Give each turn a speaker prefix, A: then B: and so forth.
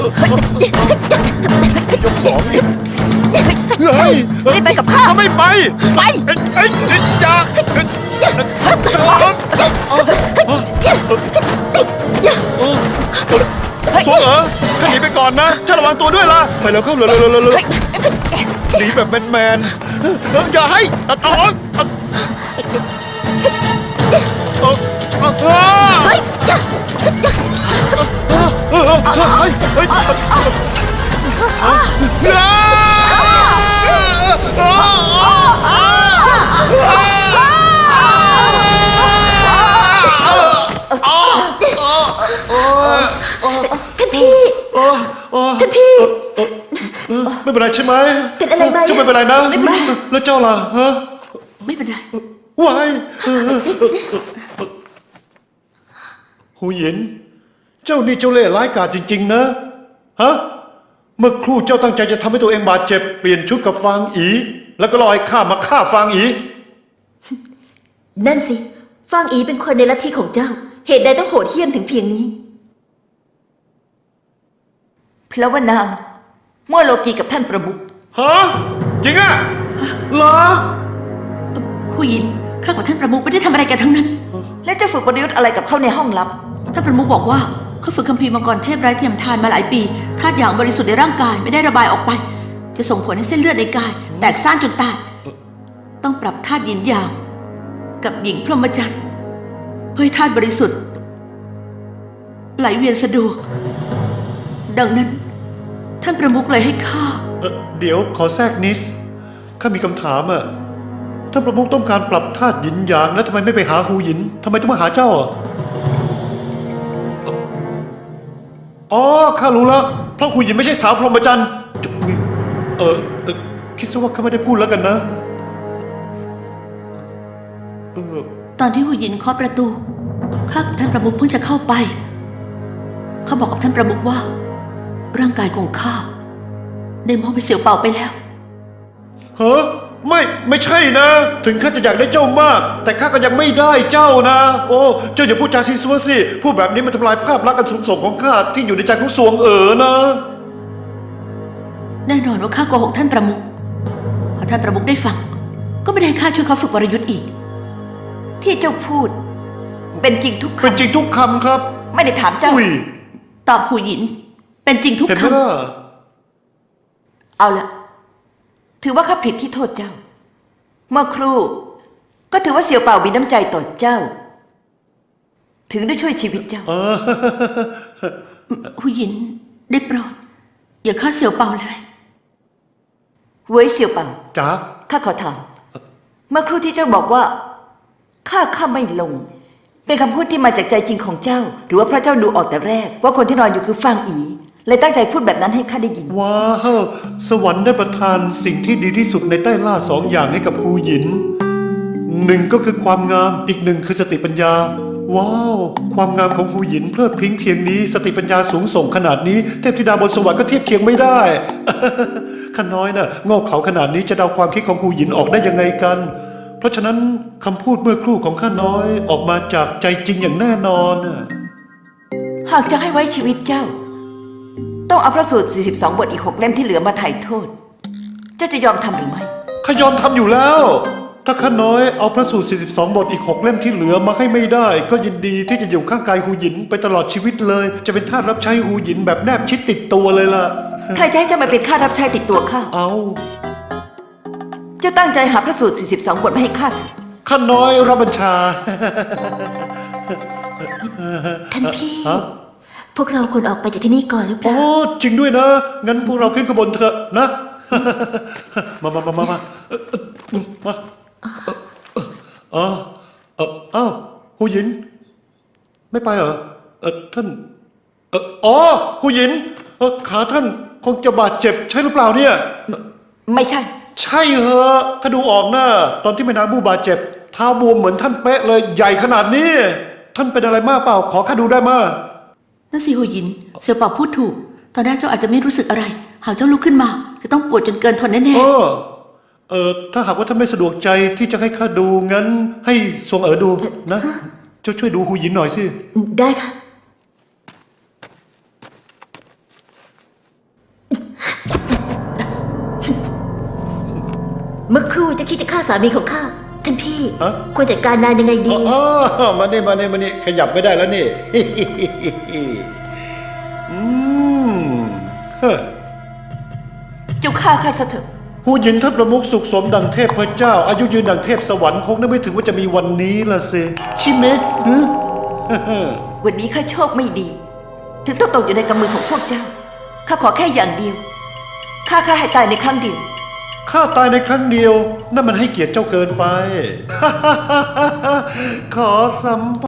A: ยกสองนี่เฮ้ย
B: รีบไปกับข้า
A: ไม่ไป
B: ไป
A: อย่าสวงข้าหนีไปก่อนนะข้าระวังตัวด้วยล่ะไปแล้วเข้าเลยหนีแบบแมนอย่าให้
B: ท่านพี่
A: ไม่เป็นไรใช่ไหม
B: เป็นอะไรไหม
A: เจ้าไม่เป็นไรนะ
B: ไม่เป็นไร
A: แล้วเจ้าล่ะฮะ
B: ไม่เป็นไร
A: วายหูหยินเจ้านี่เจ้าเล่ห์ร้ายกาจจริงๆนะฮะเมื่อครู่เจ้าตั้งใจจะทำให้ตัวเองบาดเจ็บเปลี่ยนชุดกับฟางอีแล้วก็ลอยข้ามาฆ่าฟางอี
B: นั่นสิฟางอีเป็นคนในลัทธิของเจ้า เหตุใดต้องโหดเหี้ยมถึงเพียงนี้เพราะว่านางมั่วโลกีกับท่านประมุข
A: ฮะจริงอะเหรอ
C: ผู้หญิงข้ากับท่านประมุขไม่ได้ทำอะไรกันทั้งนั้น
B: และจะฝึกประยุทธ์อะไรกับเขาในห้องลับ
C: ท่านประมุขบอกว่าเขาฝึกคัมภีร์มังกรเทพไร้เทียมทานมาหลายปีธาตุอย่างบริสุทธิ์ในร่างกายไม่ได้ระบายออกไป จะส่งผลให้เส้นเลือดในกาย แตกซ่านจนตายต้องปรับธาตุหยินหยางกับหญิงพรหมจรรย์เพื่อให้ธาตุบริสุทธิ์ไหลเวียนสะดวกดังนั้นท่านประมุขเลยให้ข้า
A: เดี๋ยวขอแทรกนิดข้ามีคำถามอะท่านประมุขต้องการปรับธาตุหยินหยางแล้วทำไมไม่ไปหาหูหยินทำไมต้องมาหาเจ้าอะอ๋อข้ารู้แล้วเพราะหูหยินไม่ใช่สาวพรหมจรรย์คิดซะว่าข้าไม่ได้พูดแล้วกันนะ
C: ตอนที่หูหยินเคาะประตูข้ากับท่านประมุขเพิ่งจะเข้าไปเขาบอกกับท่านประมุขว่าร่างกายของข้าได้มอบให้เสี่ยวเป่าไปแล้ว
A: ฮะไม่ใช่นะถึงข้าจะอยากได้เจ้ามากแต่ข้าก็ยังไม่ได้เจ้านะโอ้เจ้าอย่าพูดจาซีซัวสิพูดแบบนี้มันทำลายภาพลักษณ์อันสูงส่งของข้าที่อยู่ในใจของสวงนะ
C: แน่นอนว่าข้าโกหกท่านประมุขพอท่านประมุขได้ฟังก็ไม่ได้ให้ข้าช่วยเขาฝึกวรยุทธ์อีก
B: ที่เจ้าพูดเป็นจริงทุกคำ
A: เป็นจริงทุกคำครับ
B: ไม่ได้ถามเจ้า
C: ตอบหูหยินเป็นจริงทุก
A: เห็นไหม
C: คำ
A: ล่ะ
B: เอาละถือว่าข้าผิดที่โทษเจ้า เมื่อครู่ก็ถือว่าเสี่ยวเป่ามีน้ำใจต่อเจ้า ถึงได้ช่วยชีวิตเจ้า
C: หูหยินได้โปรดอย่าฆ่าเสี่ยวเป่าเลย
B: เว้ยเสี่ยวเป่า
A: จ๋า
B: ข้าขอถามเมื่อครู่ที่เจ้าบอกว่าข้าไม่ลงเป็นคำพูดที่มาจากใจจริงของเจ้า หรือว่าเพราะเจ้าดูออกแต่แรกว่าคนที่นอนอยู่คือฟางอีเลยตั้งใจพูดแบบนั้นให้ข้าได้ยิน
A: ว้าวสวรรค์ได้ประทานสิ่งที่ดีที่สุดในใต้ล่าสองอย่างให้กับฮูหยินหนึ่งก็คือความงามอีกหนึ่งคือสติปัญญาว้าวความงามของฮูหยินเพลิดพริ้งเพียงนี้สติปัญญาสูงส่งขนาดนี้เทพธิดาบนสวรรค์ก็เทียบเคียงไม่ได้ข้าน้อยน่ะโง่เขลาขนาดนี้จะเดาความคิดของฮูหยินออกได้ยังไงกันเพราะฉะนั้นคำพูดเมื่อครู่ของข้าน้อยออกมาจากใจจริงอย่างแน่นอน
B: หากจะให้ไว้ชีวิตเจ้าต้องเอาพระสูตร42 บทอีก6 เล่มที่เหลือมาไถ่โทษเจ้าจะยอมทำหรือไม่
A: ข้ายอมทำอยู่แล้วถ้าข้าน้อยเอาพระสูตร42 บทอีก6 เล่มที่เหลือมาให้ไม่ได้ก็ยินดีที่จะอยู่ข้างกายหูหยินไปตลอดชีวิตเลยจะเป็นทาสรับใช้หูหยินแบบแนบชิดติดตัวเลยล่ะ
B: ใครจะให้เจ้ามาเป็นข้ารับใช้ติดตัวข้า
A: เอา
B: เจ้าตั้งใจหาพระสูตร42 บทมาให้ข้าเถอะ
A: ข้าน้อยรับบัญชา
B: ท่านพี่พวกเราควรออกไปจากที่นี่ก่อนหรือเปล่า
A: อ๋อจริงด้วยนะงั้นพวกเราขึ้นขบวนเถอะนะมาอ้าวหูหยินไม่ไปเหรอท่านอ๋อหูหยินขาท่านคงจะบาดเจ็บใช่หรือเปล่าเนี่ย
B: ไม่ใช่
A: ใช่เหรอข้าดูออกนะตอนที่แม่นางบูบาดเจ็บเท้าบวมเหมือนท่านเป๊ะเลยใหญ่ขนาดนี้ท่านเป็นอะไรมากเปล่าขอข้าดูได้มั้ย
C: นั่นสิหูหยินเสี่ยวเป่าพูดถูกตอนแรกเจ้าอาจจะไม่รู้สึกอะไรหากเจ้าลุกขึ้นมาจะต้องปวดจนเกินทนแน่
A: ถ้าหากว่าท่านไม่สะดวกใจที่จะให้ข้าดูงั้นให้ทรงดูนะเจ้าช่วยดูหูหยินหน่อยสิ
B: ได้ค่ะ
D: คิดจะฆ่าสามีของข้า ท่านพี่
A: ฮะ
D: ควรจัดการนานยังไงดี
E: อ๋อมานี่ขยับไม่ได้แล้วนี่
A: อืมเฮ้อ
B: เจ้าฆ่าข้าซะเถอะ
A: ผู้หญินท่านประมุขสุขสมดังเทพพระเจ้า อายุยืนดังเทพสวรรค์คงนึกไม่ถึงว่าจะมีวันนี้ละสิชิเมะฮึ
B: วันนี้ข้าโชคไม่ดี ถึงต้องตกอยู่ในกำมือของพวกเจ้า ข้าขอแค่อย่างเดียว ข้าให้ตายในครั้งเดียว
A: ข้าตายในครั้งเดียว นั่นมันให้เกียรติเจ้าเกินไป ขอสัม